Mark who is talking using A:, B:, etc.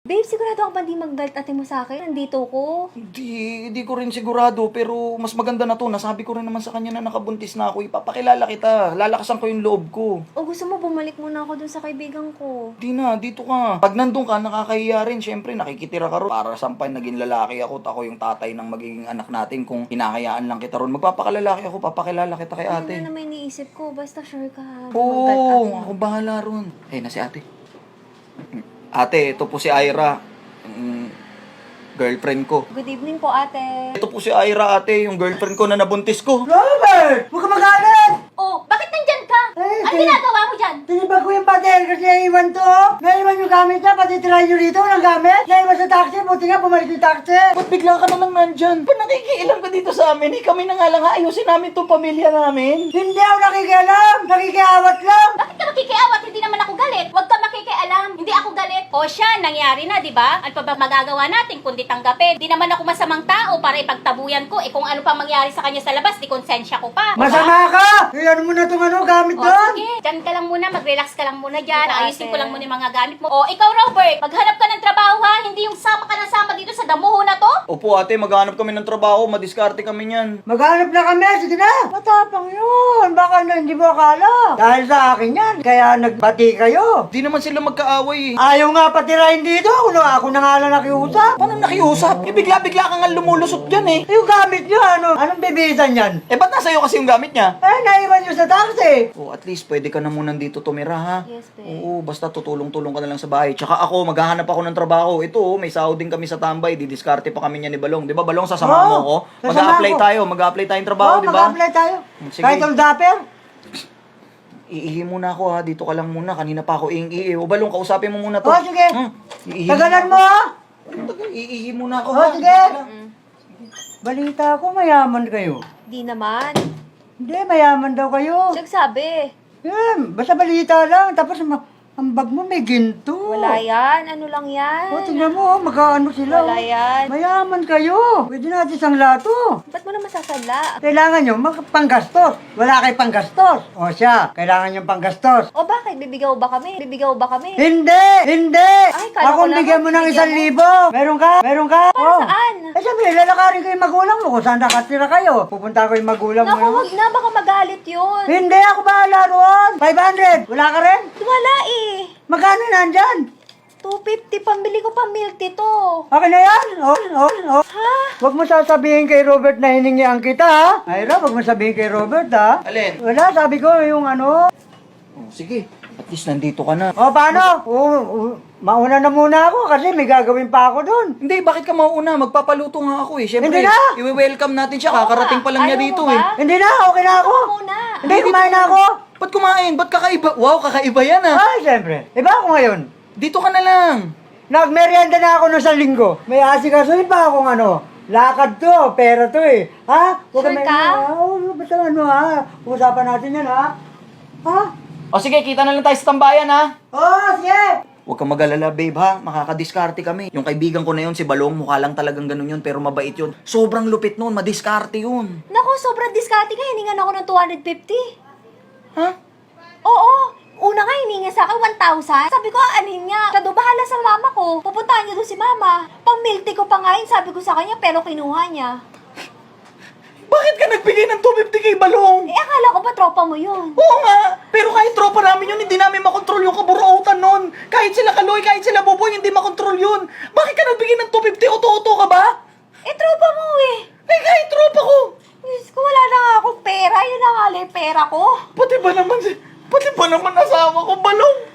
A: Babe, sigurado ka ba di mag-belt ate mo sa akin? Nandito ko.
B: Hindi ko rin sigurado, pero mas maganda na to. Nasabi ko rin naman sa kanya na nakabuntis na ako. Ipapakilala kita. Lalakasan ko yung loob ko.
A: O gusto mo bumalik muna ako dun sa kaibigan ko?
B: Di na, dito ka. Pag nandun ka, nakakahiya rin. Siyempre, nakikitira ka ron. Para sampay naging lalaki ako, at ako yung tatay ng magiging anak natin. Kung hinahayaan lang kita ron, magpapakalalaki ako, papakilala kita kay ate.
A: Ano na may iniisip ko, basta sure ka.
B: Oo, ako bahala ron. Eh, na si ate. Ate, ito po si Ira. Girlfriend ko.
A: Good evening po, ate.
B: Ito po si Ira, ate, yung girlfriend ko na nabuntis ko.
C: Robert! Huwag ka magalit!
A: Oh, bakit nandyan ka?
C: Eh,
A: Ano ginagawa mo dyan?
C: Tinibag ko yung pader kasi naiwan to. Naiwan yung gamit niya, pati try nyo rito ng gamit. Naiwan sa taxi, buti nga bumalik yung taxi.
B: Ba't bigla ka na lang nandyan? Ba't nakikialam ka dito sa amin? Eh, kami na nga lang ayusin namin tong pamilya namin.
C: Hindi ako nakikialam, nakikiawat lang.
D: Bakit ka makikiawat? Hindi naman ako galit. Huwag ka makikialam. Hindi ako galit. O siya, nangyari na, di ba? Ano pa ba magagawa natin kundi tanggapin? Di naman ako masamang tao para ipagtabuyan ko. Eh kung ano pa mangyari sa kanya sa labas, di konsensya ko pa.
C: Masama ka! Iyan mo na itong gamit
D: O
C: doon.
D: sige, dyan ka lang muna, mag-relax ka lang muna dyan.
A: Ate.
D: Ayusin ko lang muna yung mga gamit mo. O ikaw, Robert, maghanap ka ng trabaho ha. Hindi yung sama ka na sama dito sa damuho na to.
B: Opo, ate, maghanap kami ng trabaho. Madiskarte kami niyan.
C: Maghanap na kami, sige na. Matapang yun, baka na hindi mo akala. Dahil sa akin yan, kaya nagbati kayo.
B: Di naman sila magkaaway eh.
C: Ayaw nga patirahin dito, ako na nga lang nakiusap.
B: Paano nakiusap? Eh, bigla-bigla ka nga lumulusot dyan eh.
C: Yung gamit nyo, anong bibisan yan?
B: Eh, ba't nasa iyo kasi yung gamit niya?
C: Eh, naiwan nyo sa taxi.
B: Oh, at least pwede ka na muna dito tumira, ha?
A: Yes, babe.
B: Oo, basta tutulong-tulong ka na lang sa bahay. Tsaka ako, maghahanap ako ng trabaho. Ito, oh, may sahod din kami sa tambay. Didiskarte pa kami niya ni Balong. Di ba, Balong, sasama mo ko?
C: sasama
B: Mag-a-apply
C: ko.
B: tayo. Mag-a-apply tayong trabaho, di ba?
C: mag-apply tayo.
B: Sige.
C: Kahit all dapper.
B: Iihi muna ako, ha? Dito ka lang muna. Kanina pa ako iing-iihi. O, Balong, kausapin mo muna to.
C: Oh, sige.
B: Iihi
C: Tagalan mo, ha?
B: Iihi muna ako,
C: Oh,
B: ha?
C: sige. Balita ko, mayaman kayo.
A: Di naman.
C: Hindi, mayaman daw kayo.
A: Nagsabi.
C: Basta balita lang. Tapos, ang bag mo may ginto.
A: Wala yan. Ano lang yan?
C: O, tingnan mo, magkaano sila.
A: Wala yan.
C: Mayaman kayo. Pwede natin isang lato.
A: Ba't mo naman sasadla?
C: Kailangan nyo panggastos. Wala kay panggastos. O siya, kailangan nyo panggastos.
A: O bakit? Bibigaw ba kami? Bibigaw ba kami?
C: Hindi! Hindi!
A: Ay, kala ko
C: Akong
A: lang,
C: bigyan mo ng
A: bigyan
C: 1,000. Meron ka? Meron ka?
A: Para
C: Oh.
A: saan?
C: Eh, siyempre, lalakarin ko yung magulang mo kung saan nakatira kayo. Pupunta ko yung magulang mo.
A: Naku, wag na. Baka magalit yun.
C: Hindi, ako bahala roon. 500. Wala ka rin?
A: Wala eh.
C: Magkano nandyan?
A: 250. Pambili ko pa milk ito.
C: Okay na yan? Oh.
A: Ha?
C: Huwag mo sasabihin kay Robert na hiningian kita, ha? Ira, huwag mo sabihin kay Robert, ha?
B: Alin?
C: Wala, sabi ko yung ano.
B: Oh, sige. At least nandito ka na.
C: O, paano? Mauna na muna ako kasi may gagawin pa ako doon.
B: Hindi, bakit ka mauuna? Magpapaluto nga ako eh. Siyempre,
C: Hindi na!
B: i-welcome natin siya. Kakarating pa lang niya
A: Ayaw mo
B: dito
A: ba?
B: eh.
C: Hindi na, okay na ako.
A: Muna.
C: Hindi, kumain na ako.
B: Ba't kumain? Ba't kakaiba? Wow, kakaiba yan ah.
C: Ay, siyempre. Iba ako ngayon.
B: Dito ka na lang.
C: Nagmerienda na ako ng isang linggo. May asikasuhin pa akong ano. Lakad to, pera to eh. Ha? Huwag
A: Sure ka?
C: Oo, basta ano ha. Usapan natin yan ha. Ha?
B: O sige, kita na lang tayo sa tambayan ha.
C: Oo, sige.
B: Huwag kang mag-alala, babe ha. Makakadiskarte kami. Yung kaibigan ko na yun, si Balong, mukha lang talagang ganun yun, pero mabait yun. Sobrang lupit nun, madiskarte yun.
A: Naku, sobrang diskarte nga. Hiningan ako ng 250.
B: Ha?
A: Oo. Una nga, hininga sa akin 1,000. Sabi ko, anin niya. Siya daw, bahala sa mama ko. Pupuntahan niyo doon si mama. Pang milk tea ko pa nga yun, sabi ko sa kanya, pero kinuha niya.
B: Bakit ka nagbigay ng 250 kay Balong?
A: Eh, akala ko ba tropa mo yun?
B: Oo nga, pero kahit tropa namin yun, hindi namin makontrol yung kaburuotan nun. Kahit sila Kaloy, kahit sila Boboy, hindi makontrol yun. Bakit ka nagbigay ng 250? Oto-oto ka ba?
A: Eh, tropa mo eh.
B: Eh, kahit tropa ko.
A: Diyos ko, wala na nga akong pera. Yun na nga lang yung pera ko.
B: Pati ba naman asawa ko, Balong?